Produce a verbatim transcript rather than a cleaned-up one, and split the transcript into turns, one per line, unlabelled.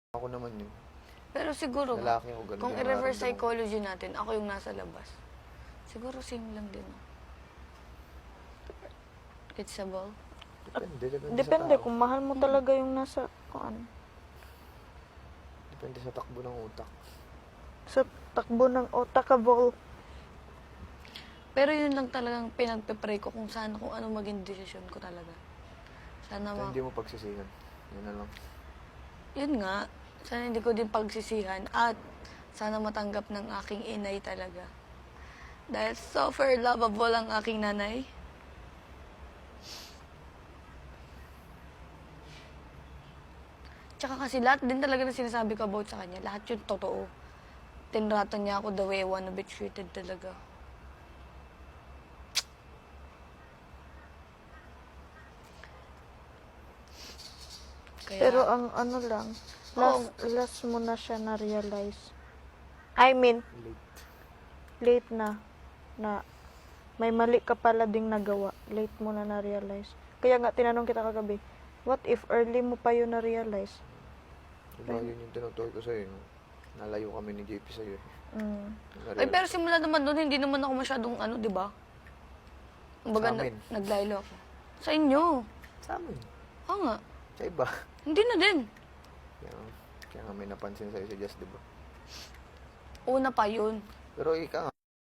Ako naman yun.
Pero siguro,
Lalaki ako, ganun
kung
yung
i-reverse
nararamdaman ko.
psychology natin, ako yung nasa labas. Siguro same lang din. No? It's a ball.
Depende, depende,
Depende
sa tao.
kung mahal mo talaga yung nasa, kung ano,
Depende sa takbo ng utak.
sa takbo ng otakable.
Pero yun lang talagang pinagpe-pray ko kung sana, kung ano maging desisyon ko talaga. Sana
Kaya
ma...
hindi mo pagsisihan. Yun na lang.
Yun nga, sana hindi ko din pagsisihan at sana matanggap ng aking inay talaga. Dahil super lovable ang aking nanay. Tsaka kasi lahat din talaga na sinasabi ko about sa kanya, lahat yun totoo. Tinrato niya ako the way I wanna be treated talaga. Kaya,
Pero ang ano lang, last, last mo na siya na-realize. I mean,
Late.
late na, na may mali ka pala ding nagawa. Late mo na na-realize. Kaya nga, tinanong kita kagabi, what if early mo pa yun na-realize?
Diba yun yung tinutukoy ko sa'yo. No? Nalayo kami ni J P sa'yo. Eh.
Mm.
ay pero simula naman doon, hindi naman ako masyadong ano, di ba? Kumbaga,
Sa amin.
na- naglaylo ako. Sa inyo.
Sa amin.
Oo nga.
Sa iba.
Hindi na din.
Kaya, kaya nga may napansin sa'yo si Jess, diba?
Una pa yun.
Pero ika nga,